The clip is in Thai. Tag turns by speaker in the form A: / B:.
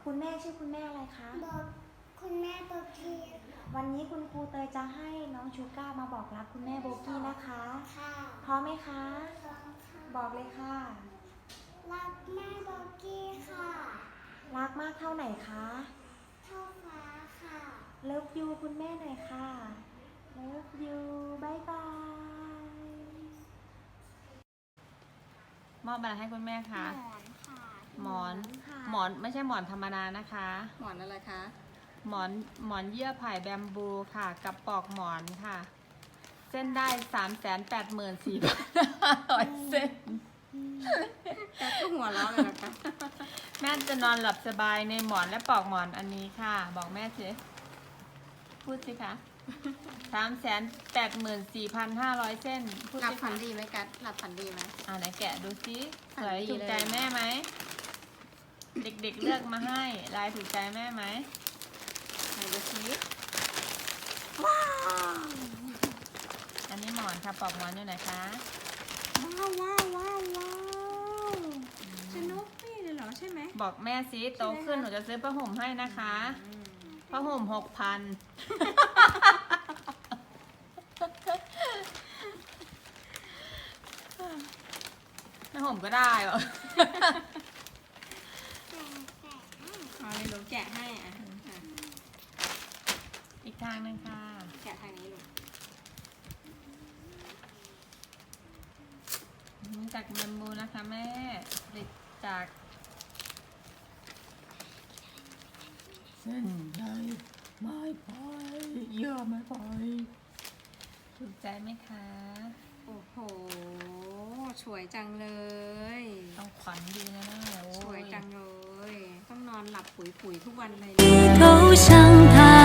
A: คุณแม่ชื่อคุณแม่อะไรคะ
B: บอกคุณแม่โบกี้
A: วันนี้คุณครูเตยจะให้น้องชูก้ามาบอกรักคุณแม่โบกี้นะคะ
B: ค่ะ
A: พร้อมไหมคะ
B: พร้อมค่ะ
A: บอกเลยค่ะ
B: รักแม่โบกี้ค่ะ
A: รักมากเท่าไหนคะ
B: เท่าฟ้าค่ะ
A: เลิฟยูคุณแม่หน่อยค่ะ เลิฟยูบายบาย
C: มอบอะไรให้คุณแม่คะ
B: หมอนค่ะ
C: หมอน
A: ค่ะ
C: หมอนไม่ใช่หมอนธรรมดานะคะ
D: หมอนอะไรคะ
C: หมอนเยื่อไผ่แบมบูค่ะ กับปลอกหมอนค่ะ เส้นได้ 384,500 เส้น
D: แกก็หัวเราะเลยนะคะ
C: แม่จะนอนหลับสบายในหมอนและปลอกหมอนอันนี้ค่ะ บอกแม่สิพูดสิคะ 384,500 เส้นพูด
D: หลับ
C: สิ
D: ฝั
C: คะ
D: นดีไหมกัดหลับฝันดีไหม
C: ไหนแกะดูสิ
D: ฝั
C: ส
D: น
C: วย
D: ดี
C: ถูก
D: เลย
C: ใจแม่ไหม เด็กๆเลือกมาให้ลายถูกใจแม่ไหม
D: ไหนดูสิ
C: อันนี้หมอนค่ะปลอกหมอนอยู่ไหนคะ
D: ว้าวสนุกนี่เลยเหรอใช่ไหม
C: บอกแม่สิโตขึ้นหนูจะซื้อผ้าห่มให้นะคะผ้าห่ม6,000ผ้าห่มก็ได้เหรอ
D: อ๋อนี่ลูกแกะให้อ่ะ
C: อีกทางหนึงค่ะ
D: แกะทางนี้ลูก
C: จากแบมบูนะคะแม่ผลิตจากเส้นใยไม้พายเยื่อไม้พายถูกใจไหมคะ
D: โอ้โหสวยจังเลย
C: ต้องขวัญดีนะแม่โอ้
D: สวยจังเลย ต้องนอนหลับปุ๋ยๆทุกวันเลย
E: 低头向他。